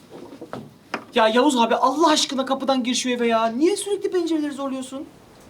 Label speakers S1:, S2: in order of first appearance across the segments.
S1: Ya Yavuz abi Allah aşkına kapıdan gir şu eve ya. Niye sürekli pencereleri zorluyorsun?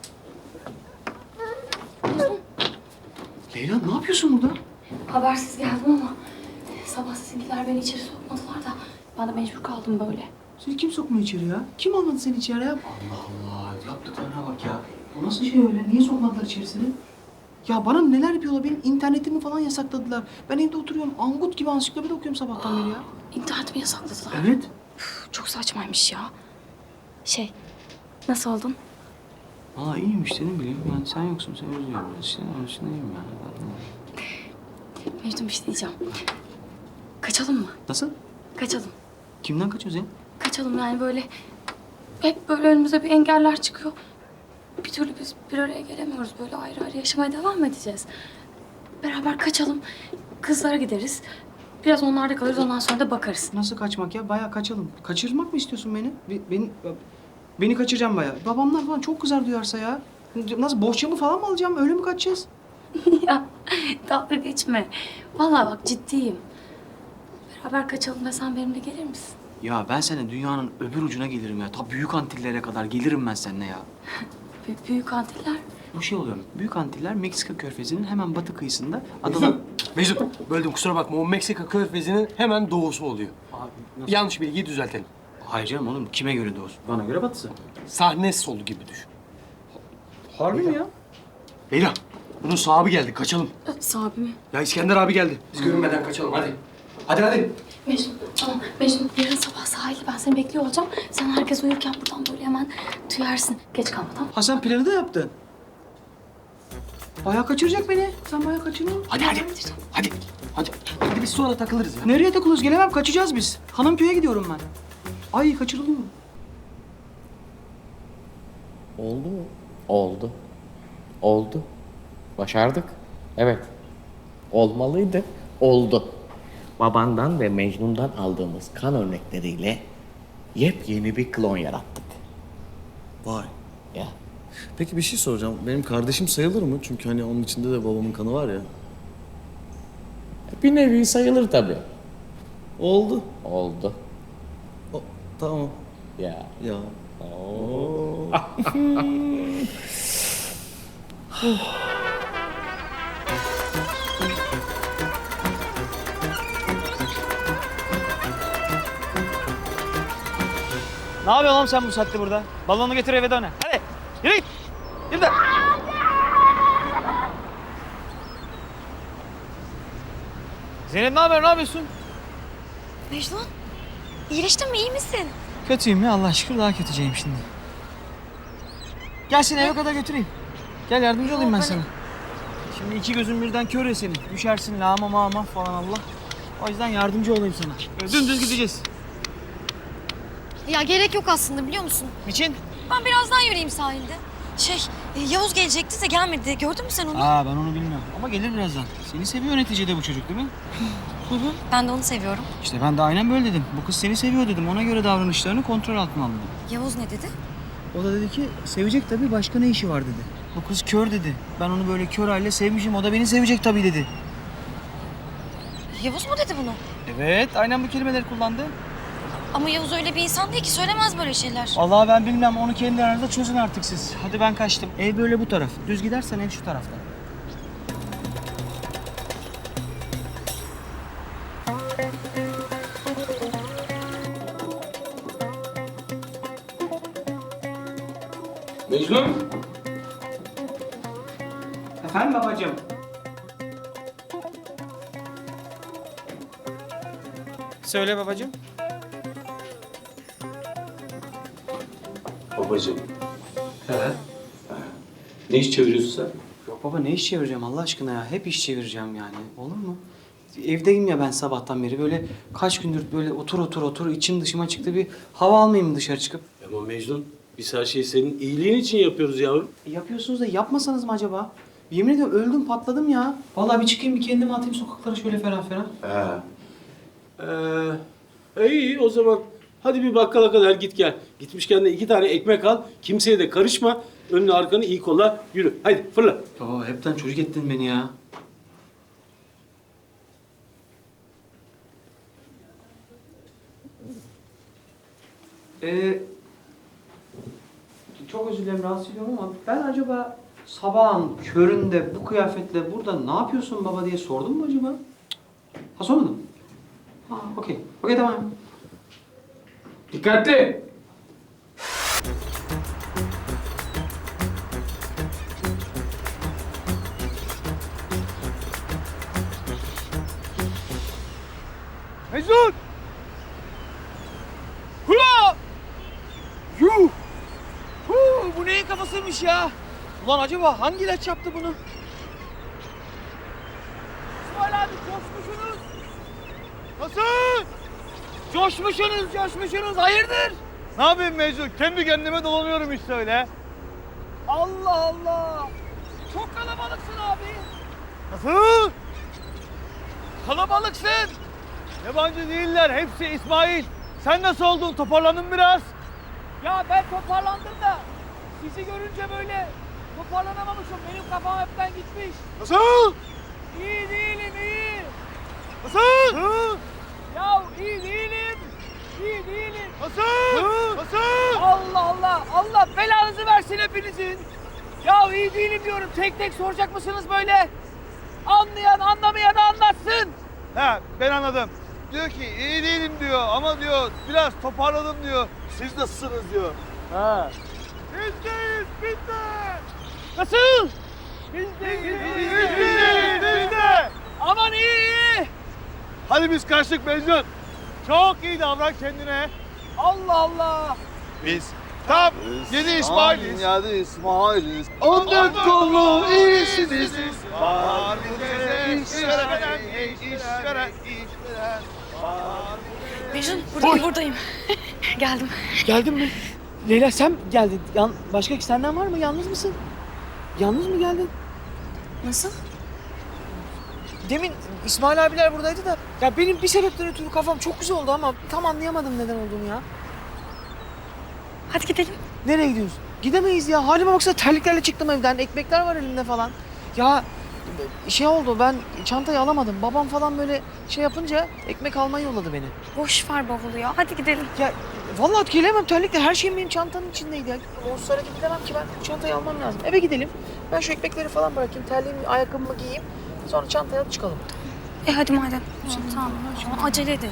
S1: Leyla ne yapıyorsun burada?
S2: Habersiz geldim ama sabah sizinkiler beni içeri sokmadılar da ben de mecbur kaldım böyle.
S1: Seni kim sokmuyor içeri ya? Kim almadı seni içeri ya? Allah Allah yaptıklarına bak ya. O nasıl şey öyle? Niye sokmadılar içerisine? Ya bana neler yapıyorlar? Benim internetimi falan yasakladılar. Ben evde oturuyorum. Angut gibi ansiklopedi okuyorum sabahtan beri ya.
S2: İnternetimi yasakladılar.
S1: Evet.
S2: Çok saçmaymış ya. Nasıl oldun?
S1: Valla iyiyim işte ne bileyim. Yani sen yoksun, sen özlüyorum. İşte onun için iyiyim yani.
S2: Mecnun bir şey diyeceğim. Kaçalım mı?
S1: Nasıl?
S2: Kaçalım.
S1: Kimden kaçıyorsun ya?
S2: Kaçalım yani böyle. Hep böyle önümüze bir engeller çıkıyor. Bir türlü biz bir araya gelemiyoruz. Böyle ayrı ayrı yaşamaya devam edeceğiz. Beraber kaçalım. Kızlara gideriz. Biraz onlarda kalırız. Ondan sonra da bakarız.
S1: Nasıl kaçmak ya? Bayağı kaçalım. Kaçırmak mı istiyorsun beni? Beni kaçıracağım bayağı. Babamlar falan çok kızar duyarsa ya. Nasıl bohçamı falan mı alacağım? Öyle mi kaçacağız?
S2: Ya dalga geçme. Vallahi bak ciddiyim. Beraber kaçalım ve sen benimle gelir misin?
S1: Ya ben seninle dünyanın öbür ucuna gelirim ya. Ta Büyük Antillere kadar gelirim ben seninle ya.
S2: Büyük antiller.
S1: Bu şey oluyor. Büyük Antiller Meksika Körfezi'nin hemen batı kıyısında adalar...
S3: Mecnun, böldüm kusura bakma. O Meksika körfezinin hemen doğusu oluyor.
S1: Abi nasıl?
S3: Yanlış bilgiyi düzeltelim.
S1: Hayır canım oğlum. Kime göre doğusu? Bana göre batısı.
S3: Sahne solu gibi düşün.
S1: Harbi mi ya?
S3: Leyla, bunun sahibi geldi. Kaçalım.
S2: Sahibi mi?
S3: Ya İskender abi geldi. Biz görünmeden kaçalım. Hadi. Hadi.
S2: Mecnun, tamam. Mecnun, yarın sabah sahilde ben seni bekliyor olacağım. Sen herkes uyurken buradan böyle hemen tüyarsın. Geç kalma, tamam?
S1: Ha sen planı da yaptın. Bayağı kaçıracak beni. Sen bayağı kaçırıyorsun.
S3: Hadi. Hadi biz sonra takılırız ya.
S1: Nereye takılıyoruz? Gelemem. Kaçacağız biz. Hanımköy'e gidiyorum ben. Ay kaçırıldım mı?
S4: Oldu mu? Oldu. Oldu. Başardık. Evet. Olmalıydı. Oldu. Babandan ve Mecnun'dan aldığımız kan örnekleriyle yepyeni bir klon yarattık.
S5: Vay.
S4: Ya.
S5: Peki bir şey soracağım. Benim kardeşim sayılır mı? Çünkü hani onun içinde de babamın kanı var ya.
S4: Bir nevi sayılır tabii.
S5: Oldu.
S4: Oldu.
S5: Tamam.
S4: Ya.
S5: Ya.
S1: Ne yapıyorsun oğlum sen bu saatte burada? Balonu getir eve dön. Hadi yürü git. Yürü de. Zeynep ne haber? Ne yapıyorsun?
S6: Mecnun, iyileştin mi? İyi misin?
S1: Kötüyüm ya Allah şükür daha kötüceyim şimdi. Gel seni eve kadar götüreyim. Gel yardımcı olayım ben sana. Şimdi iki gözün birden kör ya senin. Düşersin lağma mağma falan Allah. O yüzden yardımcı olayım sana. Böyle dümdüz gideceğiz.
S6: Ya gerek yok aslında biliyor musun?
S1: Niçin?
S6: Ben birazdan yürüyeyim sahilde. Yavuz gelecekti de gelmedi. Gördün mü sen onu?
S1: Aa ben onu bilmiyorum ama gelir birazdan. Seni seviyor neticede bu çocuk değil mi?
S6: Ben de onu seviyorum.
S1: İşte ben de aynen böyle dedim. Bu kız seni seviyor dedim. Ona göre davranışlarını kontrol altına aldım.
S6: Yavuz ne dedi?
S1: O da dedi ki sevecek tabii başka ne işi var dedi. Bu kız kör dedi. Ben onu böyle kör halle sevmişim. O da beni sevecek tabii dedi.
S6: Yavuz mu dedi bunu?
S1: Evet aynen bu kelimeleri kullandı.
S6: Ama Yavuz öyle bir insan değil ki söylemez böyle şeyler.
S1: Vallahi ben bilmem onu kendi aranızda çözün artık siz. Hadi ben kaçtım. Ev böyle bu taraf. Düz gidersen ev şu tarafta.
S3: Mecnun.
S1: Efendim babacığım? Söyle babacığım.
S3: Babacığım. Ne iş çeviriyorsun sen?
S1: Yok baba ne iş çevireceğim Allah aşkına ya. Hep iş çevireceğim yani. Olur mu? Evdeyim ya ben sabahtan beri. Böyle kaç gündür böyle otur içim dışıma çıktı. Bir hava almayayım mı dışarı çıkıp?
S3: Ama Mecnun, biz her şeyi senin iyiliğin için yapıyoruz yavrum.
S1: Yapıyorsunuz da yapmasanız mı acaba? Yemin ediyorum öldüm patladım ya. Vallahi bir çıkayım bir kendimi atayım sokaklara şöyle ferah ferah.
S3: İyi o zaman. Hadi bir bakkala kadar git gel. Gitmişken de 2 tane ekmek al. Kimseye de karışma. Önünü arkanı iyi kolla. Yürü. Hadi fırla.
S1: Baba hepten çocuk ettin beni ya. Çok özür dilerim rahatsız ediyorum ama ben acaba sabahın köründe bu kıyafetle burada ne yapıyorsun baba diye sordum mu acaba? Ha sormadım. Ha okey. Okey tamam.
S3: Dikkatli!
S7: Mecnun! Hula! Yuh! Bu neyin kafasıymış ya? Ulan acaba hangi ilaç yaptı bunu? İsmail abi coşmuşsunuz. Nasıl? Coşmuşsunuz. Hayırdır? Ne yapayım Mecnun? Kendi kendime dolanıyorum işte öyle. Allah Allah! Çok kalabalıksın abi. Nasıl? Kalabalıksın. Yabancı değiller, hepsi İsmail. Sen nasıl oldun? Toparlandın biraz. Ya ben toparlandım da sizi görünce böyle toparlanamamışım. Benim kafam hepten gitmiş. Nasıl? İyi değilim, iyi. Nasıl? Ya iyi değilim. Nasıl? Allah belanızı versin hepinizin. Ya iyi değilim diyorum. Tek tek soracak mısınız böyle? Anlayan anlamayan anlatsın. He ben anladım. Diyor ki iyi değilim diyor ama diyor biraz toparladım diyor. Siz nasılsınız diyor. Ha. Biz de. Nasıl? Biz de. Aman iyi. Hadi biz kaçtık Mecnun. Çok iyi davran kendine. Allah. Biz tam 7 İsmail'iz. 7 İsmail'iz. 14 kollu iyisiniz. Var bize işveren.
S6: Mecnun buradayım. Geldim.
S7: Geldin mi? Leyla sen geldin. Başka senden var mı? Yalnız mısın? Yalnız mı geldin?
S6: Nasıl?
S7: Demin İsmail abiler buradaydı da ya benim bir sebepten ötürü kafam çok güzel oldu ama tam anlayamadım neden olduğunu ya.
S6: Hadi gidelim.
S7: Nereye gidiyoruz? Gidemeyiz ya. Halime baksana terliklerle çıktım evden. Ekmekler var elimde falan. Ya şey oldu ben çantayı alamadım. Babam falan böyle şey yapınca ekmek almayı yolladı beni.
S6: Boş ver bavulu ya. Hadi gidelim.
S7: Ya vallahi gelemem terlikle. Her şeyim benim çantanın içindeydi ya. Onsuz hareket edemem ki ben. Bu çantayı almam lazım. Eve gidelim. Ben şu ekmekleri falan bırakayım. Terliğimi, ayakkabımı giyeyim. Sonra çantaya alıp çıkalım.
S6: Hadi madem. Tamam. Acele edelim.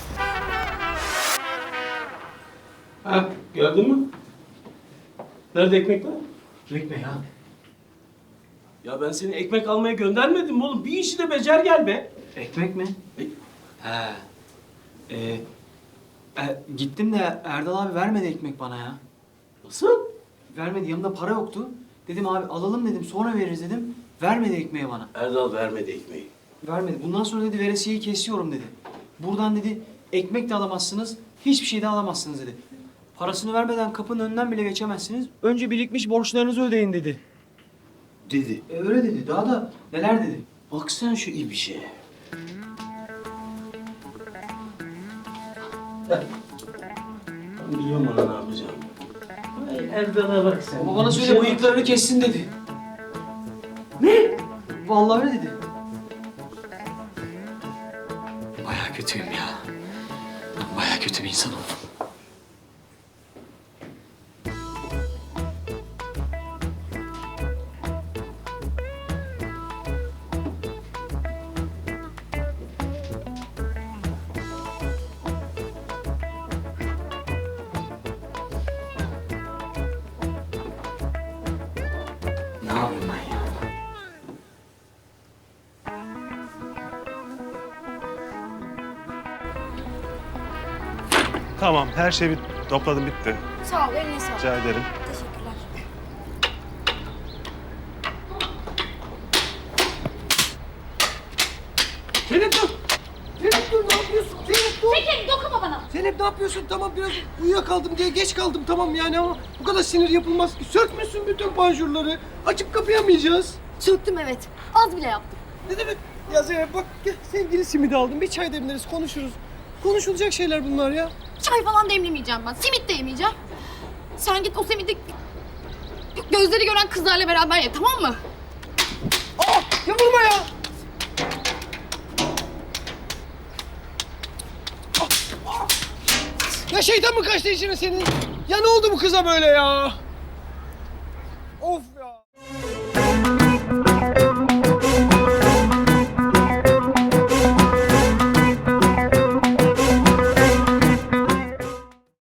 S3: Ha, geldin mi? Nerede ekmekler?
S1: Ekmek ya.
S3: Ya ben seni ekmek almaya göndermedim mi oğlum? Bir işi de becer gel be.
S1: Ekmek mi? He. Gittim de Erdal abi vermedi ekmek bana ya.
S3: Nasıl?
S1: Vermedi yanımda para yoktu. Dedim abi alalım dedim sonra veririz dedim. Vermedi ekmeği bana.
S3: Erdal vermedi ekmeği.
S1: Vermedi. Bundan sonra dedi veresiyeyi kesiyorum dedi. Buradan dedi ekmek de alamazsınız, hiçbir şey de alamazsınız dedi. Parasını vermeden kapının önünden bile geçemezsiniz. Önce birikmiş borçlarınızı ödeyin dedi.
S3: Dedi.
S1: Öyle dedi. Daha da neler dedi.
S3: Baksana şu ibişe. Ben biliyorum ona ne yapacağım. Vay Erdal'a bak sen.
S1: Ama bana söyle bıyıklarını kessin dedi. Ne? Vallahi öyle dedi. Bayağı kötüyüm ya. Ben bayağı kötü bir insan oldum. Ne yapayım ben ya?
S8: Tamam, her şeyi topladım, bitti.
S6: Sağ ol. Eline sağlık.
S8: Rica ederim.
S6: Teşekkürler.
S7: Zeynep dur! Zeynep dur ne yapıyorsun? Zeynep dur!
S6: Çekil dokunma bana.
S7: Zeynep ne yapıyorsun? Tamam biraz uyuyakaldım diye geç kaldım tamam yani ama bu kadar sinir yapılmaz ki. Sökmüşsün bütün panjurları. Açıp kapayamayacağız.
S6: Söktüm evet. Az bile yaptım.
S7: Ne demek? Ya Zeynep bak gel sevgili simidi aldım. Bir çay demleriz konuşuruz. Konuşulacak şeyler bunlar ya.
S9: Çay falan demlemeyeceğim ben. Simit de yemeyeceğim. Sen git o simidi gözleri gören kızlarla beraber ye tamam mı?
S7: Aa ya vurma ya. Ya Ya şeytan mı kaçtı içine senin? Ya ne oldu bu kıza böyle ya? Of